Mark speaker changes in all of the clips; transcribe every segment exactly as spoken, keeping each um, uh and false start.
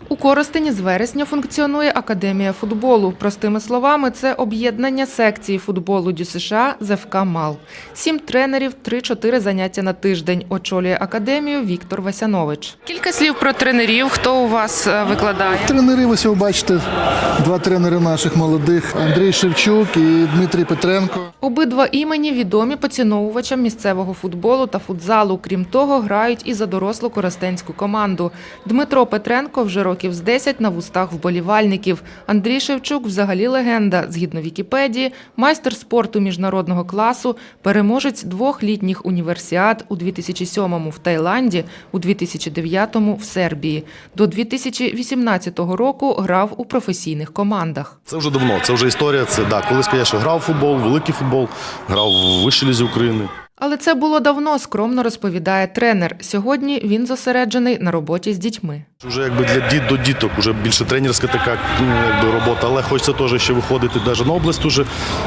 Speaker 1: У Коростені з вересня функціонує Академія футболу. Простими словами, це об'єднання секції футболу ДЮСШ з еф ка «Мал». Сім тренерів, три-чотири заняття на тиждень. Очолює академію Віктор Васянович. Кілька слів про тренерів. Хто у вас викладає?
Speaker 2: Тренери, ви сьогодні бачите, два тренери наших молодих – Андрій Шевчук і Дмитрій Петренко.
Speaker 1: Обидва імені відомі поціновувачам місцевого футболу та футзалу. Крім того, грають і за дорослу коростенську команду. Дмитро Петренко вже років з десять на вустах вболівальників. Андрій Шевчук – взагалі легенда. Згідно Вікіпедії, майстер спорту міжнародного класу, переможець двох літніх універсіад у дві тисячі сьомому в Таїланді, у дві тисячі дев'ятому в Сербії. До дві тисячі вісімнадцятого року грав у професійних командах.
Speaker 3: Це вже давно, це вже історія. Це, да, колись, звісно, грав у футбол, великий футбол, грав в вищій лізі України.
Speaker 1: Але це було давно, скромно розповідає тренер. Сьогодні він зосереджений на роботі з дітьми.
Speaker 3: Вже якби для діт до діток, вже більше тренерська така якби, робота, але хочеться теж ще виходити навіть на область. Уже.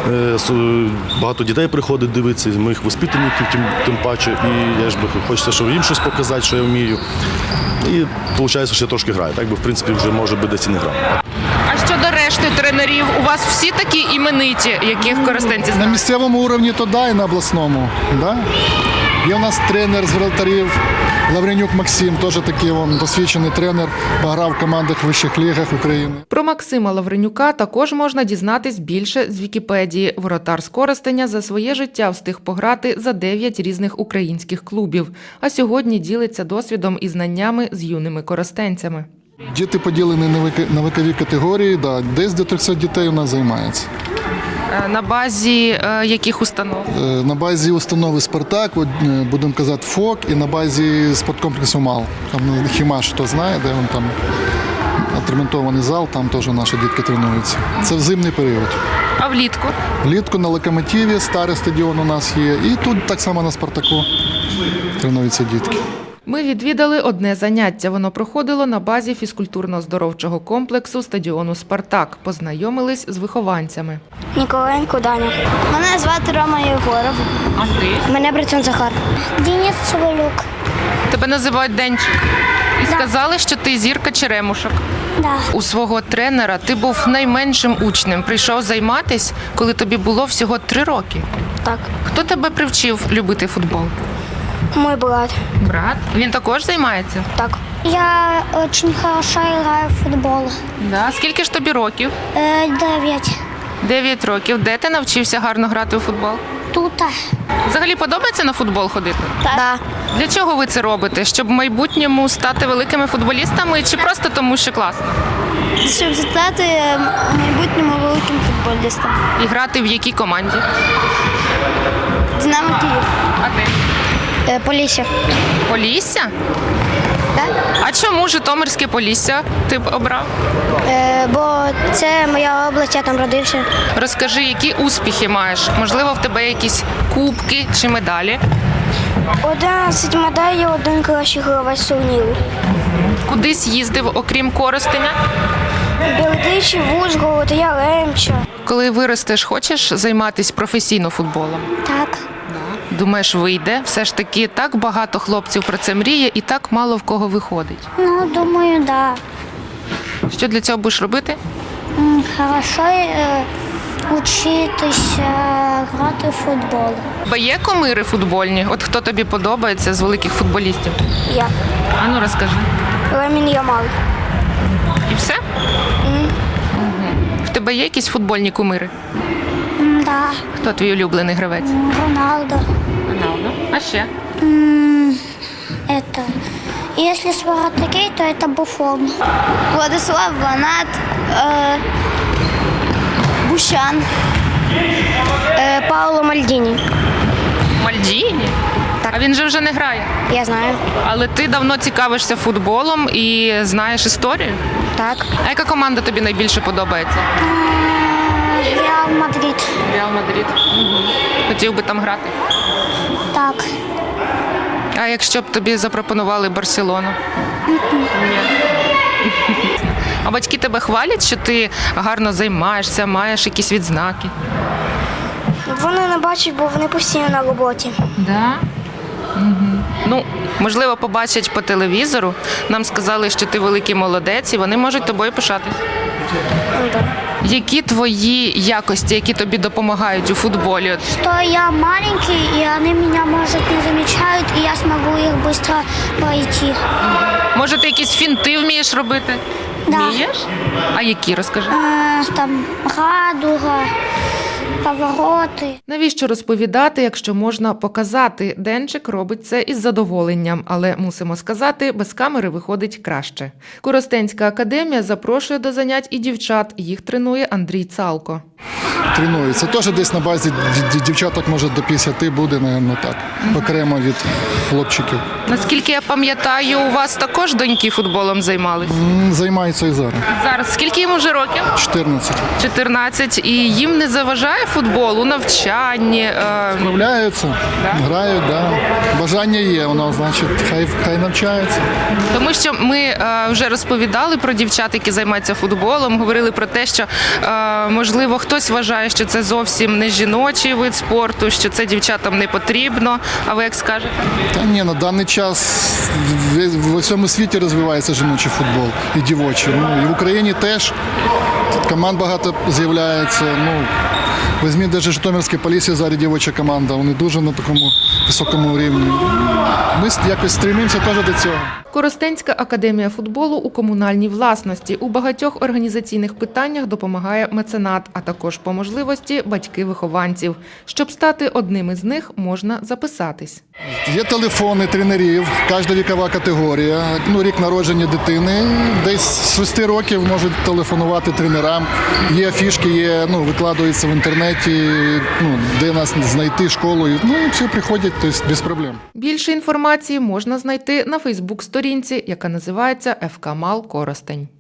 Speaker 3: Багато дітей приходить дивитися, моїх воспитанників тим, тим паче. І я ж би хочеться, щоб їм щось показати, що я вмію. І виходить, що я трошки граю. Так би, в принципі, вже може би десь і не грав.
Speaker 1: А щодо решти тренерів, у вас всі такі імениті, яких коростенці знають?
Speaker 2: На місцевому рівні то да, і на обласному. Да? Є у нас тренер з воротарів Лавренюк Максим, теж такий він досвідчений тренер, пограв в командах вищих лігах України.
Speaker 1: Про Максима Лавренюка також можна дізнатись більше з Вікіпедії. Воротар з Коростеня за своє життя встиг пограти за дев'ять різних українських клубів, а сьогодні ділиться досвідом і знаннями з юними коростенцями.
Speaker 2: Діти поділені на вікові категорії, да, десь до трьохсот дітей у нас займається.
Speaker 1: На базі е, яких установ?
Speaker 2: На базі установи «Спартак», от, будемо казати «ФОК», і на базі спорткомплексу «Мал». Там Хімаш, хто знає, де він там відремонтований зал, там теж наші дітки тренуються. Це в зимний період.
Speaker 1: А влітку?
Speaker 2: Влітку на «Локомотиві», старий стадіон у нас є, і тут так само на «Спартаку» тренуються дітки.
Speaker 1: Ми відвідали одне заняття. Воно проходило на базі фізкультурно-здоровчого комплексу стадіону «Спартак». Познайомились з вихованцями.
Speaker 4: Ніколенко Даня. Мене звати Рома Єгоров.
Speaker 1: А ти?
Speaker 4: Мене Брицун Захар. Денис Соболюк.
Speaker 1: Тебе називають Денчик. І сказали, що ти зірка черемушок.
Speaker 4: Да.
Speaker 1: У свого тренера ти був найменшим учнем. Прийшов займатись, коли тобі було всього три роки.
Speaker 4: Так.
Speaker 1: Хто тебе привчив любити футбол?
Speaker 4: Мой брат.
Speaker 1: Брат? Він також займається?
Speaker 4: Так. Я дуже хорошо граю в футбол.
Speaker 1: Да. Скільки ж тобі років?
Speaker 4: Е, дев'ять.
Speaker 1: Дев'ять років. Де ти навчився гарно грати у футбол?
Speaker 4: Тут.
Speaker 1: Взагалі подобається на футбол ходити?
Speaker 4: Так. Да.
Speaker 1: Для чого ви це робите? Щоб в майбутньому стати великими футболістами чи просто тому, що класно?
Speaker 4: Щоб стати в майбутньому великим футболістом.
Speaker 1: І грати в якій команді?
Speaker 4: Динамо Київ.
Speaker 1: А ти?
Speaker 4: Е, Полісся.
Speaker 1: Полісся?
Speaker 4: Так?
Speaker 1: А чому Житомирське Полісся ти б обрав?
Speaker 4: Е, бо це моя область, я там родився.
Speaker 1: Розкажи, які успіхи маєш? Можливо, в тебе якісь кубки чи медалі?
Speaker 4: одинадцять медалей, один кращий гравець турніру.
Speaker 1: Кудись їздив, окрім Коростеня?
Speaker 4: Бердичів, Ужгород, Яремча.
Speaker 1: Коли виростеш, хочеш займатися професійно футболом?
Speaker 4: Так.
Speaker 1: Думаєш, вийде? Все ж таки так багато хлопців про це мріє і так мало в кого виходить.
Speaker 4: Ну, думаю, да.
Speaker 1: Що для цього будеш робити?
Speaker 4: М, Хорошо е, учитися грати в футбол.
Speaker 1: Бо є кумири футбольні? От хто тобі подобається з великих футболістів?
Speaker 4: Я.
Speaker 1: А ну розкажи.
Speaker 4: Ламін Ямал.
Speaker 1: І все?
Speaker 4: М,
Speaker 1: В тебе є якісь футбольні кумири?
Speaker 4: м, Да.
Speaker 1: Хто твій улюблений гравець?
Speaker 4: Роналдо.
Speaker 1: Роналдо. А ще?
Speaker 4: М, Это. Если Спартаки, то это Буфон. Владислав Ванат, э, Бущан, э, Пауло Мальдіні.
Speaker 1: Мальдіні?
Speaker 4: Так.
Speaker 1: А він же вже не грає.
Speaker 4: Я знаю.
Speaker 1: Але ти давно цікавишся футболом і знаєш історію?
Speaker 4: Так.
Speaker 1: А яка команда тобі найбільше подобається?
Speaker 4: Реал Мадрид.
Speaker 1: Реал Мадрид. Хотів би там грати.
Speaker 4: Так.
Speaker 1: А якщо б тобі запропонували Барселону? Ні. А батьки тебе хвалять, що ти гарно займаєшся, маєш якісь відзнаки?
Speaker 4: Вони не бачать, бо вони постійно на роботі.
Speaker 1: Да? Ну, можливо, побачать по телевізору. Нам сказали, що ти великий молодець, і вони можуть тобою пишатись. Які твої якості, які тобі допомагають у футболі? От
Speaker 4: Что я маленький, и они меня, может, не замечают, и я смогу их быстро пройти.
Speaker 1: може, ти якісь фінти вмієш робити?
Speaker 4: Да.
Speaker 1: Вмієш? А які, розкажи?
Speaker 4: Э, Там радуга, повороты.
Speaker 1: Навіщо розповідати, якщо можна показати? Денчик робить це із задоволенням, але мусимо сказати, без камери виходить краще. Коростенська академія запрошує до занять і дівчат. Їх тренує Андрій Цалко.
Speaker 2: Тренуються. Теж десь на базі ді- дівчаток, може, до п'ятдесят буде, напевно, так. Окремо від хлопчиків.
Speaker 1: Наскільки я пам'ятаю, у вас також доньки футболом займалися?
Speaker 2: М, Займаються і зараз.
Speaker 1: Зараз скільки їм уже років?
Speaker 2: чотирнадцять.
Speaker 1: чотирнадцять. І їм не заважає футбол у навчанні? е,
Speaker 2: Справляються, грають, да. Бажання є, воно, значить, хай, хай навчаються.
Speaker 1: Тому що ми е, вже розповідали про дівчат, які займаються футболом, говорили про те, що е, можливо хтось вважає, що це зовсім не жіночий вид спорту, що це дівчатам не потрібно. А ви як скажете?
Speaker 2: Та ні, на даний час в, в усьому світі розвивається жіночий футбол і дівочий. Ну, і в Україні теж команд багато з'являється. Ну, візьміть навіть Житомирське Полісся, зараз дівоча команда, вони дуже на такому високому рівні. Ми якось стремимося теж до цього.
Speaker 1: Коростенська академія футболу у комунальній власності. У багатьох організаційних питаннях допомагає меценат, а також по можливості батьки вихованців. Щоб стати одним із них, можна записатись.
Speaker 2: Є телефони тренерів, кожна вікова категорія. Ну, рік народження дитини. Десь з шести років можуть телефонувати тренерам. Є фішки, є, ну, викладаються в інтернеті, ну, де нас знайти школу. Ну і всі приходять, тобто без проблем.
Speaker 1: Більше інформації можна знайти на Фейсбук-сторінці, яка називається «еф ка Мал Коростень».